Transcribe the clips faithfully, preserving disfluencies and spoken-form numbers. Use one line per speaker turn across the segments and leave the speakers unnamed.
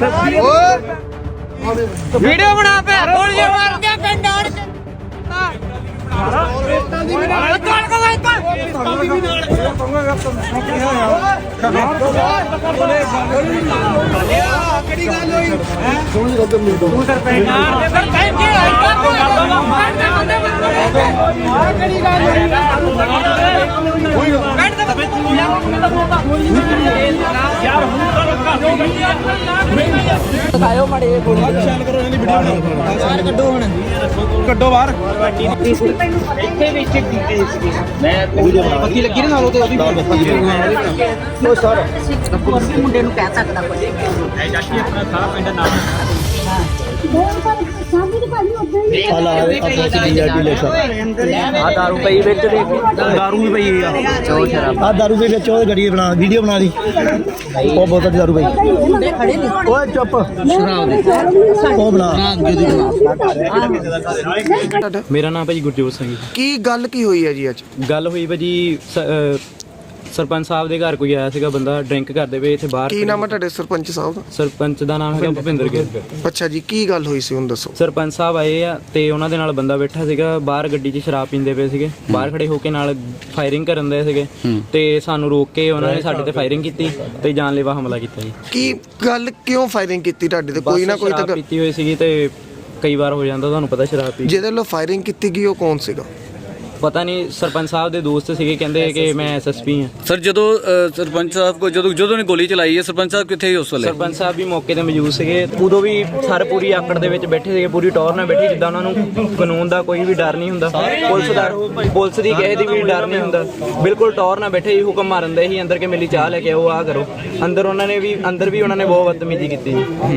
Video बना पे गोली मार के कंडार
ਕੱਢੋ ਬਾਹਰ
ਇੱਥੇ ਵਿੱਚ ਕੀਤੀ ਸੀ ਮੈਂ ਪੱਕੀ ਲੱਗੀ ਨਾ ਨਾਲ ਉਹਦੇ ਉਹਦੀ ਉਹ ਸਰ ਕੋਈ ਮੁੰਡੇ ਨੂੰ ਕਹਿ ਸਕਦਾ ਕੋਈ ਐ ਜਾਸ਼ੀ ਆਪਣਾ ਸਾਰਾ ਪਿੰਡ ਨਾਮ
ਆ ਦਾਰੂ ਪਈ ਵਿੱਚ ਦੇਖ ਦਾਰੂ ਵੀ ਪਈ ਆ ਚੋ ਸ਼ਰਾਬ ਆ ਦਾਰੂ ਵੀ ਵਿੱਚ ਉਹ ਗੱਡੀ ਬਣਾ ਵੀਡੀਓ ਬਣਾ ਦੀ ਉਹ ਬੋਤਲ ਦੀ ਦਾਰੂ ਪਈ ਓਏ ਚੁੱਪ ਸ਼ਰਾਬ ਦੇ ਉਹ ਬਣਾ
ਮੇਰਾ ਨਾਮ ਭਾਜੀ ਗੁਰਜੋਤ ਸਿੰਘ ਜੀ।
ਕੀ ਗੱਲ ਕੀ ਹੋਈ ਹੈ ਜੀ ਅੱਜ?
ਗੱਲ ਹੋਈ ਭਾਜੀ ਸ- ਅਹ ਸਰਪੰਚ ਸਾਹਿਬ ਦੇ ਘਰ ਕੋਈ ਆਇਆ ਸੀਗਾ ਬੰਦਾ ਡਰਿੰਕ ਕਰਦੇ ਪਏ ਇੱਥੇ ਬਾਹਰ।
ਕੀ ਨਾਮ ਹੈ ਤੁਹਾਡੇ ਸਰਪੰਚ ਸਾਹਿਬ ਦਾ?
ਸਰਪੰਚ ਦਾ ਨਾਮ ਹੈਗਾ ਭੁਪਿੰਦਰ ਗਿੱਲ।
ਅੱਛਾ ਜੀ, ਕੀ ਗੱਲ ਹੋਈ ਸੀ ਹੁਣ ਦੱਸੋ।
ਸਰਪੰਚ ਸਾਹਿਬ ਆਏ ਆ ਤੇ ਉਹਨਾਂ ਦੇ ਨਾਲ ਬੰਦਾ ਬੈਠਾ ਸੀਗਾ ਬਾਹਰ ਗੱਡੀ 'ਚ ਸ਼ਰਾਬ ਪੀਂਦੇ ਪਏ ਸੀਗੇ ਬਾਹਰ ਖੜੇ ਹੋ ਕੇ ਨਾਲ ਫਾਇਰਿੰਗ ਕਰਨ ਦੇ ਸੀਗੇ ਤੇ ਸਾਨੂੰ ਰੋਕ ਕੇ ਉਹਨਾਂ ਨੇ ਸਾਡੇ ਤੇ ਫਾਇਰਿੰਗ ਕੀਤੀ ਤੇ ਜਾਨਲੇਵਾ ਹਮਲਾ ਕੀਤਾ ਜੀ।
ਕੀ ਗੱਲ ਕਿਉਂ ਫਾਇਰਿੰਗ ਕੀਤੀ ਤੁਹਾਡੇ ਤੇ? ਕੋਈ ਨਾ ਕੋਈ ਤਾਂ
ਸ਼ਰਾਬ
ਗੱਲ-
ਪੀਤੀ ਹੋਈ ਸੀਗੀ ਤੇ ਕਈ ਵਾਰ ਹੋ ਜਾਂਦਾ ਤੁਹਾਨੂੰ ਪਤਾ ਸ਼ਰਾਬ ਪੀ
ਜਿਹਦੇ ਵੱਲੋਂ ਫਾਇਰਿੰਗ ਕੀਤੀ ਗਈ ਉਹ ਕੌਣ ਸੀਗਾ?
ਪਤਾ ਨਹੀਂ ਸਰਪੰਚ ਸਾਹਿਬ ਦੇ ਦੋਸਤ ਸੀਗੇ ਕਹਿੰਦੇ ਕਿ ਮੈਂ ਐਸਐਸਪੀ ਹਾਂ।
ਸਰ ਜਦੋਂ ਅ, ਸਰਪੰਚ ਸਾਹਿਬ ਕੋ ਜਦੋਂ ਜਦੋਂ ਨੇ ਗੋਲੀ ਚਲਾਈ ਹੈ ਸਰਪੰਚ ਸਾਹਿਬ ਕਿੱਥੇ ਸੀ ਉਸ ਵੇਲੇ?
ਸਰਪੰਚ ਸਾਹਿਬ ਵੀ ਮੌਕੇ ਤੇ ਮੌਜੂਦ ਸੀਗੇ ਉਦੋਂ ਵੀ ਸਰ ਪੂਰੀ ਆਕੜ ਦੇ ਵਿੱਚ ਬੈਠੇ ਸੀਗੇ ਪੂਰੀ ਟੌਰ ਨਾਲ ਬੈਠੀ ਜਿੱਦਾਂ ਉਹਨਾਂ ਨੂੰ ਕਾਨੂੰਨ ਦਾ ਕੋਈ ਵੀ ਡਰ ਨਹੀਂ ਹੁੰਦਾ ਪੁਲਿਸ ਦਾ ਪੁਲਿਸ ਦੀ ਕਿਸੇ ਦੀ ਵੀ ਡਰ ਨਹੀਂ ਹੁੰਦਾ ਬਿਲਕੁਲ ਟੌਰ ਨਾਲ ਬੈਠੇ ਹੀ ਹੁਕਮ ਮਾਰਨ ਦੇ ਹੀ ਅੰਦਰ ਕੇ ਮੇਰੀ ਚਾਹ ਲੈ ਕੇ ਆਓ ਆਹ ਕਰੋ ਅੰਦਰ ਉਹਨਾਂ ਨੇ ਵੀ ਅੰਦਰ ਵੀ ਉਹਨਾਂ ਨੇ ਬਹੁਤ ਬਦਤਮੀਜ਼ੀ ਕੀਤੀ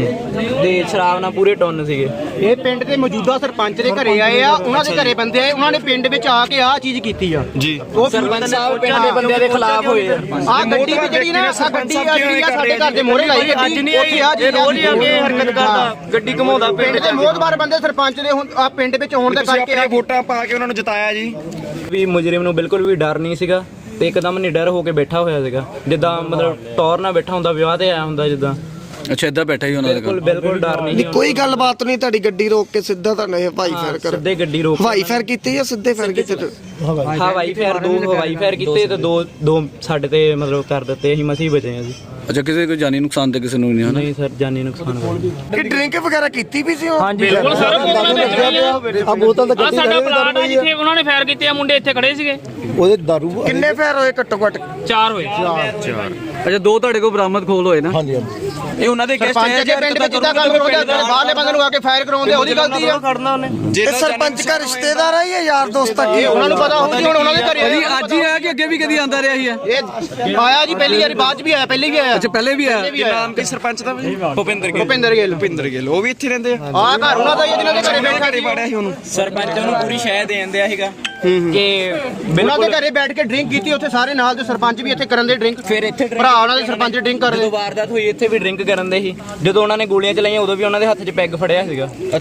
ਤੇ ਸ਼ਰਾਬ ਨਾਲ ਪੂਰੇ ਟੁੰਨ ਸੀਗੇ।
ਇਹ ਪਿੰਡ ਦੇ ਮੌਜੂਦਾ ਸਰਪੰਚ ਦੇ ਘਰੇ ਆਏ ਆ ਉਹਨਾਂ ਦੇ ਘਰੇ ਬੰਦੇ ਆਏ ਉਹਨਾਂ ਨੇ ਪਿੰਡ ਵਿੱਚ ਆ ਕੇ ਆਹ ਚੀਜ਼ ਕੀਤੀ ਆ ਜੀ ਉਹ
ਸਰਪੰਚ ਸਾਹਿਬ ਪਿੰਡ ਦੇ ਬੰਦਿਆਂ ਦੇ ਖਿਲਾਫ ਹੋਏ ਆ।
ਆ ਗੱਡੀ ਵੀ ਜਿਹੜੀ ਨਾ ਆ ਗੱਡੀ ਆ ਜਿਹੜੀ ਆ ਸਾਡੇ ਘਰ ਦੇ ਮੋਹਰੇ ਲਾਈ ਗੱਡੀ ਉੱਥੇ ਆ ਜੀ ਰੋਜ਼ ਆ ਕੇ ਹਰਕਤ ਕਰਦਾ ਗੱਡੀ ਘਮਾਉਂਦਾ ਪਿੰਡ ਦੇ ਮੋਹਤਬਾਰ ਬੰਦੇ ਸਰਪੰਚ ਦੇ ਹੁਣ ਆ ਪਿੰਡ ਵਿੱਚ ਹੋਣ ਦੇ ਕਰਕੇ
ਵੋਟਾਂ ਪਾ ਕੇ ਉਹਨਾਂ ਨੂੰ ਜਿਤਾਇਆ ਜੀ।
ਵੀ ਮੁਜਰਿਮ ਨੂੰ ਬਿਲਕੁਲ ਵੀ ਡਰ ਨਹੀਂ ਸੀਗਾ ਤੇ ਇੱਕਦਮ ਨਿਡਰ ਹੋ ਕੇ ਬੈਠਾ ਹੋਇਆ ਸੀਗਾ ਜਿੱਦਾਂ ਮਤਲਬ ਟੌਰ ਨਾਲ ਬੈਠਾ ਹੁੰਦਾ ਵਿਆਹ ਤੇ ਆਇਆ ਹੁੰਦਾ ਜਿੱਦਾਂ
ਅੱਛਾ ਇੱਦਾਂ ਬੈਠਾ ਹੀ ਉਹਨਾਂ ਦੇ
ਬਿਲਕੁਲ
ਕੋਲ
ਬਿਲਕੁਲ ਡਰ ਨਹੀਂ
ਨਹੀਂ ਕੋਈ ਗੱਲਬਾਤ ਨਹੀਂ, ਤੁਹਾਡੀ ਗੱਡੀ ਰੋਕ ਕੇ ਸਿੱਧਾ ਤੁਹਾਨੂੰ ਇਹ ਹਵਾਈ ਫਾਇਰ ਕਰ
ਸਿੱਧੇ ਗੱਡੀ ਰੋਕ
ਹਵਾਈ ਫਾਇਰ ਕੀਤੀ ਜਾਂ ਸਿੱਧੇ ਫਾਇਰ ਕੀਤੇ?
ਹਵਾਈ ਫਾਇਰ ਦੋ ਹਵਾਈ ਫਾਇਰ ਕੀਤੇ ਤੇ ਦੋ ਦੋ ਸਾਡੇ ਤੇ ਮਤਲਬ ਕਰ ਦਿੱਤੇ ਅਸੀਂ ਮਸੀਂ ਬਚੇ ਹਾਂ ਜੀ।
ਅੱਛਾ ਕਿਸੇ ਕੋਈ ਜਾਨੀ ਨੁਕਸਾਨ ਤੇ ਕਿਸੇ ਨੂੰ ਨਹੀਂ ਹੋਣਾ?
ਨਹੀਂ ਸਰ ਜਾਨੀ ਨੁਕਸਾਨ ਹੋਇਆ।
ਕਿ ਡਰਿੰਕ ਵਗੈਰਾ ਕੀਤੀ ਵੀ ਸੀ ਉਹ?
ਬਿਲਕੁਲ ਸਰ ਬੋਤਲਾਂ ਦੇ
ਆ ਬੋਤਲ ਤਾਂ
ਆ ਸਾਡਾ ਪਲਾਟ ਆ ਜਿੱਥੇ ਉਹਨਾਂ ਨੇ ਫਾਇਰ ਕੀਤੇ ਆ ਮੁੰਡੇ ਇੱਥੇ ਖੜੇ ਸੀਗੇ
ਉਹਦੇ ਦਾਰੂ
ਕਿੰਨੇ ਫਾਇਰ ਹੋਏ ਘੱਟੋ ਘੱਟ?
ਚਾਰ ਹੋਏ
ਅੱਛਾ ਦੋ ਤੁਹਾਡੇ ਕੋਲ ਬਰਾਮਦ ਖੋਲ ਹੋਏ ਨਾ?
ਹਾਂਜੀ ਹਾਂਜੀ
ਇਹ ਉਹਨਾਂ ਦੇ
ਸਰਪੰਚ ਦੇ ਪਿੰਡ ਵਿੱਚ ਜਿੱਦਾਂ ਗੱਲ ਕਰੋਗੇ ਬਾਹਰਲੇ ਬੰਦੇ ਨੂੰ ਆ ਕੇ ਫਾਇਰ ਕਰਾਉਂਦੇ ਉਹਦੀ ਗਲਤੀ ਆ
ਇਹ ਸਰਪੰਚ ਦਾ ਰਿਸ਼ਤੇਦਾਰ ਹੈ ਜਾਂ ਯਾਰ ਦੋਸਤ ਹੈ?
ਇਹ ਉਹਨਾਂ ਨੂੰ ਪਤਾ ਹੋਊਗੀ ਹੁਣ ਉਹਨਾਂ ਦੇ ਘਰੇ
ਭਾਜੀ ਅੱਜ ਹੀ ਆਇਆ ਕਿ ਅੱਗੇ ਵੀ ਕਦੀ ਆਂਦਾ ਰਿਹਾ ਹੀ ਹੈ?
ਇਹ ਆਇਆ ਜੀ ਪਹਿਲੀ ਵਾਰੀ ਬਾਅਦ ਚ ਵੀ ਆਇਆ ਪਹਿਲੇ ਵੀ ਆਇਆ
ਅੱਛਾ ਪਹਿਲੇ ਵੀ ਆਇਆ।
ਨਾਮ ਕੀ ਸਰਪੰਚ ਦਾ ਵੀ?
ਭੁਪਿੰਦਰ ਗਿੱਲ।
ਭੁਪਿੰਦਰ ਗਿੱਲ
ਭੁਪਿੰਦਰ ਗਿੱਲ ਉਹ ਵੀ ਇੱਥੇ ਰਹਿੰਦੇ ਆ।
ਆ ਘਰ ਉਹਨਾਂ ਦਾ ਹੀ ਆ ਜਿਹਨਾਂ ਦੇ ਘਰੇ ਬੈਠਾ ਸੀ
ਪਾੜਿਆ ਸੀ ਉਹਨੂੰ
ਸਰਪੰਚ ਨੂੰ ਪੂਰੀ ਸ਼ਹਿ ਦੇਣ ਦਿਆ ਸੀਗਾ ਕਿ
ਉਹਨਾਂ ਦੇ ਘਰੇ ਬੈਠ ਕੇ ਡਰਿੰਕ ਕੀਤੀ ਉੱਥੇ ਸਾਰੇ ਨਾਲ ਦੇ ਸਰਪੰਚ ਵੀ ਇੱਥੇ ਕਰਨ ਦੇ ਡਰਿੰਕ
ਫਿਰ ਇੱਥੇ
ਭਰਾ ਉਹਨਾਂ ਦੇ ਸਰਪੰਚ ਡਰਿੰਕ ਕਰਦੇ
ਜਦੋਂ ਵਾਰਦਾਤ ਹੋਈ ਇੱਥੇ ਵੀ ਡਰਿੰਕ ਕਰਨ ਦੇ ਸੀ ਜਦੋਂ ਉਹਨਾਂ ਨੇ ਗੋਲੀਆਂ ਚਲਾਈਆਂ ਉਦੋਂ ਵੀ ਉਹਨਾਂ ਦੇ ਹੱਥ 'ਚ ਪੈਗ ਫੜਿਆ ਸੀਗਾ